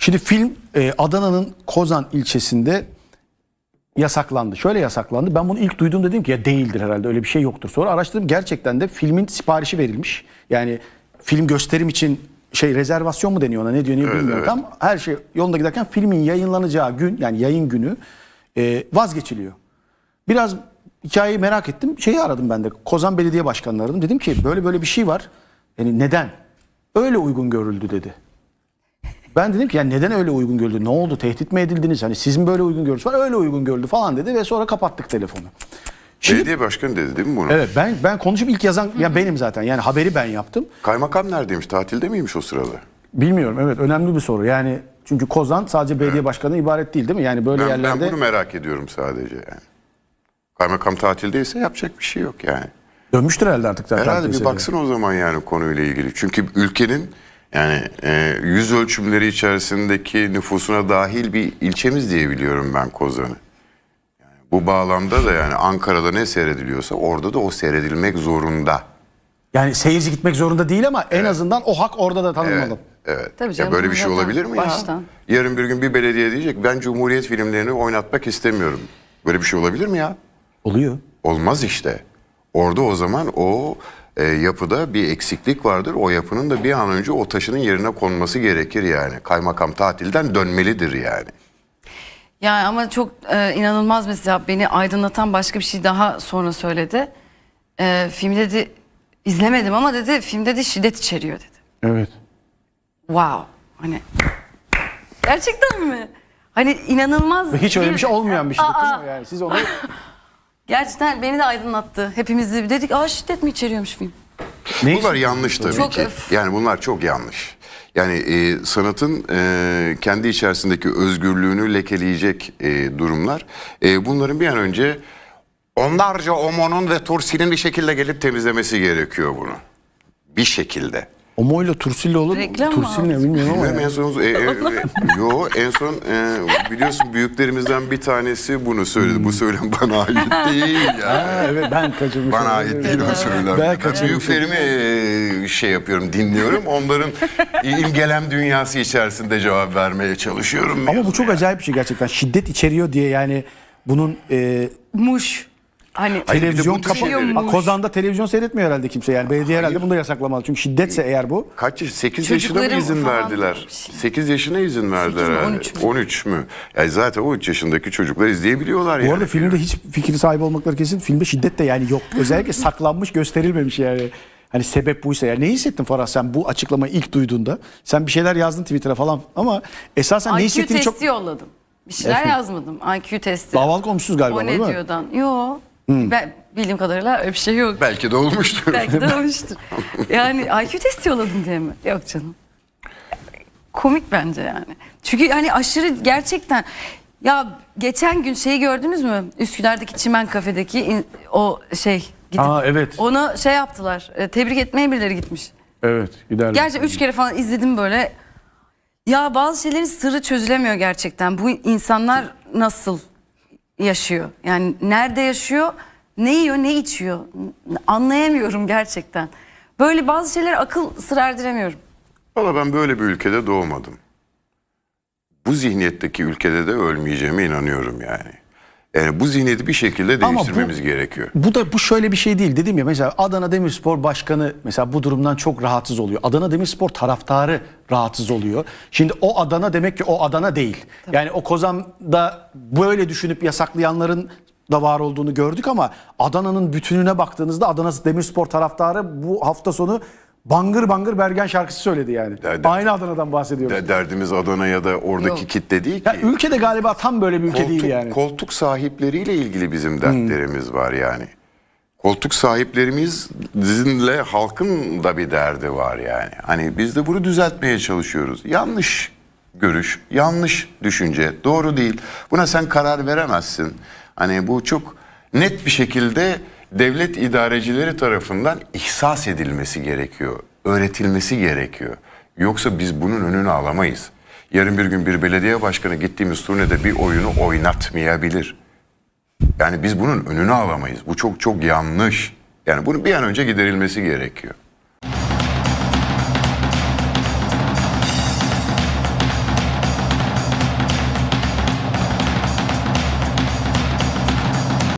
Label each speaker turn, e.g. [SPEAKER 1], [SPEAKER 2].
[SPEAKER 1] Şimdi film Adana'nın Kozan ilçesinde yasaklandı. Şöyle yasaklandı. Ben bunu ilk duyduğumda dedim ki ya değildir herhalde, öyle bir şey yoktur. Sonra araştırdım, gerçekten de filmin siparişi verilmiş. Yani film gösterim için rezervasyon mu deniyor ona, ne diyor bilmiyorum.
[SPEAKER 2] Evet.
[SPEAKER 1] Tam her şey yolunda giderken filmin yayınlanacağı gün, yani yayın günü vazgeçiliyor. Biraz hikayeyi merak ettim. Aradım ben de. Kozan Belediye Başkanı'nı aradım. Dedim ki böyle bir şey var. Yani neden? Öyle uygun görüldü dedi. Ben dedim ki yani neden öyle uygun görüldü? Ne oldu? Tehdit mi edildiniz? Hani sizin böyle uygun görüntüsü var. Öyle uygun görüldü falan dedi ve sonra kapattık telefonu.
[SPEAKER 2] Belediye başkanı dedi değil mi bunu?
[SPEAKER 1] Evet, ben konuşup ilk yazan ya benim zaten. Yani haberi ben yaptım.
[SPEAKER 2] Kaymakam neredeymiş? Tatilde miymiş o sırada?
[SPEAKER 1] Bilmiyorum, evet, önemli bir soru. Yani çünkü Kozan sadece belediye başkanı ibaret değil, değil mi? Yani böyle yerlerde.
[SPEAKER 2] Ben bunu merak ediyorum sadece yani. Kaymakam tatildeyse yapacak bir şey yok yani.
[SPEAKER 1] Dönmüştür herhalde artık zaten.
[SPEAKER 2] Herhalde bir
[SPEAKER 1] meseleye.
[SPEAKER 2] baksın o zaman yani konuyla ilgili. Çünkü ülkenin yani yüz ölçümleri içerisindeki nüfusuna dahil bir ilçemiz diye biliyorum ben Kozan'ı. Yani bu bağlamda da yani Ankara'da ne seyrediliyorsa orada da o seyredilmek zorunda.
[SPEAKER 1] Yani seyirci gitmek zorunda değil ama en azından o hak orada da tanınmalı.
[SPEAKER 2] Evet.
[SPEAKER 3] Tabii
[SPEAKER 2] Ya
[SPEAKER 3] canım,
[SPEAKER 2] böyle bir şey
[SPEAKER 3] zaten
[SPEAKER 2] olabilir mi
[SPEAKER 3] baştan.
[SPEAKER 2] ya? Yarın bir gün bir belediye diyecek ben Cumhuriyet filmlerini oynatmak istemiyorum. Böyle bir şey olabilir mi ya?
[SPEAKER 1] Oluyor.
[SPEAKER 2] Olmaz işte. Orada o zaman o yapıda bir eksiklik vardır. O yapının da bir an önce o taşının yerine konması gerekir yani. Kaymakam tatilden dönmelidir yani.
[SPEAKER 3] Yani ama çok inanılmaz, mesela beni aydınlatan başka bir şey daha sonra söyledi. Film dedi, izlemedim ama dedi film dedi şiddet içeriyor dedi.
[SPEAKER 1] Evet.
[SPEAKER 3] Wow. Hani gerçekten mi? Hani inanılmaz.
[SPEAKER 1] Ve hiç öyle bir şey olmayan bir şey değil mi? Yani siz onu
[SPEAKER 3] Gerçekten beni de aydınlattı. Hepimiz de dedik şiddet mi içeriyormuş film?
[SPEAKER 2] Bunlar yanlış tabii
[SPEAKER 3] Çok
[SPEAKER 2] ki. Yani bunlar çok yanlış. Yani sanatın kendi içerisindeki özgürlüğünü lekeleyecek durumlar. Bunların bir an önce onlarca Omon'un ve Tursi'nin bir şekilde gelip temizlemesi gerekiyor bunu. Bir şekilde.
[SPEAKER 1] Omo ile Tursil'le olur mu?
[SPEAKER 3] Reklam mı
[SPEAKER 1] Tursil ne bilmiyorum ama.
[SPEAKER 2] Bilmem, en son biliyorsun büyüklerimizden bir tanesi bunu söyledi. Bu söylem bana ait değil ya.
[SPEAKER 1] Ha, evet, ben kaçırmışım.
[SPEAKER 2] Bana ait değil o söylem.
[SPEAKER 1] Ben kaçırmışım.
[SPEAKER 2] Büyüklerimi dinliyorum. Onların imgelem dünyası içerisinde cevap vermeye çalışıyorum.
[SPEAKER 1] Ama bu çok acayip bir şey gerçekten. Şiddet içeriyor diye yani bunun
[SPEAKER 3] Muş. Hani
[SPEAKER 2] Hayır, bir de
[SPEAKER 1] televizyon
[SPEAKER 2] bu tür
[SPEAKER 1] kapalı.
[SPEAKER 2] şeyleri-
[SPEAKER 1] Kozan'da televizyon seyretmiyor herhalde kimse yani. Belediye herhalde bunu da yasaklamalı. Çünkü şiddetse eğer bu.
[SPEAKER 2] Kaç yaş? 8 yaşına mı
[SPEAKER 3] Çocukların
[SPEAKER 2] izin
[SPEAKER 3] falan
[SPEAKER 2] verdiler?
[SPEAKER 3] bir şey.
[SPEAKER 2] 8 yaşına izin verdiler
[SPEAKER 3] 8 mi,
[SPEAKER 2] herhalde.
[SPEAKER 3] 13 mü?
[SPEAKER 2] 13 mü? Yani zaten 13 yaşındaki çocuklar izleyebiliyorlar yani.
[SPEAKER 1] Bu arada filmde hiç fikri sahibi olmakları kesin. Filmde şiddet de yani yok. Özellikle saklanmış, gösterilmemiş yani. Hani sebep buysa. Yani ne hissettin Farah sen bu açıklamayı ilk duyduğunda? Sen bir şeyler yazdın Twitter'a falan ama esasen ne
[SPEAKER 3] IQ
[SPEAKER 1] hissettiğini
[SPEAKER 3] testi
[SPEAKER 1] çok...
[SPEAKER 3] yolladım. Bir şeyler yazmadım. IQ testi.
[SPEAKER 1] Davalık olmuşsunuz galiba,
[SPEAKER 3] O
[SPEAKER 1] değil mi?
[SPEAKER 3] ne diyordan? Yok. Ben bildiğim kadarıyla öyle bir şey yok.
[SPEAKER 2] Belki de olmuştur.
[SPEAKER 3] Belki de olmuştur. Yani IQ testi yolladım diye mi? Yok canım. Komik bence yani. Çünkü hani aşırı gerçekten. Ya geçen gün şeyi gördünüz mü? Üsküdar'daki Çimen Kafe'deki gidip
[SPEAKER 1] evet.
[SPEAKER 3] onu yaptılar. Tebrik etmeye birileri gitmiş.
[SPEAKER 1] Evet, giderler.
[SPEAKER 3] Gerçi 3 kere falan izledim böyle. Ya bazı şeylerin sırrı çözülemiyor gerçekten. Bu insanlar nasıl yaşıyor? Yani nerede yaşıyor? Ne yiyor, ne içiyor? Anlayamıyorum gerçekten. Böyle bazı şeyler akıl sır erdiremiyorum.
[SPEAKER 2] Valla ben böyle bir ülkede doğmadım. Bu zihniyetteki ülkede de ölmeyeceğime inanıyorum yani. Yani bu zihniyeti bir şekilde
[SPEAKER 1] Ama
[SPEAKER 2] değiştirmemiz gerekiyor.
[SPEAKER 1] Bu şöyle bir şey değil, dedim ya, mesela Adana Demirspor Başkanı mesela bu durumdan çok rahatsız oluyor. Adana Demirspor taraftarı rahatsız oluyor. Şimdi o Adana demek ki o Adana değil. Tabii. Yani o Kozan'da böyle düşünüp yasaklayanların da var olduğunu gördük ama Adana'nın bütününe baktığınızda Adana Demirspor taraftarı bu hafta sonu bangır bangır Bergen şarkısı söyledi yani. Aynı Adana'dan bahsediyoruz.
[SPEAKER 2] Derdimiz Adana ya da oradaki
[SPEAKER 3] Yok.
[SPEAKER 2] kitle değil ki.
[SPEAKER 1] Ya ülkede galiba tam böyle bir ülke değil yani.
[SPEAKER 2] Koltuk sahipleriyle ilgili bizim dertlerimiz var yani. Koltuk sahiplerimizle halkın da bir derdi var yani. Hani biz de bunu düzeltmeye çalışıyoruz. Yanlış görüş, yanlış düşünce, doğru değil. Buna sen karar veremezsin. Hani bu çok net bir şekilde devlet idarecileri tarafından ihsas edilmesi gerekiyor, öğretilmesi gerekiyor. Yoksa biz bunun önünü alamayız. Yarın bir gün bir belediye başkanı gittiğimiz turnede bir oyunu oynatmayabilir. Yani biz bunun önünü alamayız. Bu çok çok yanlış. Yani bunun bir an önce giderilmesi gerekiyor.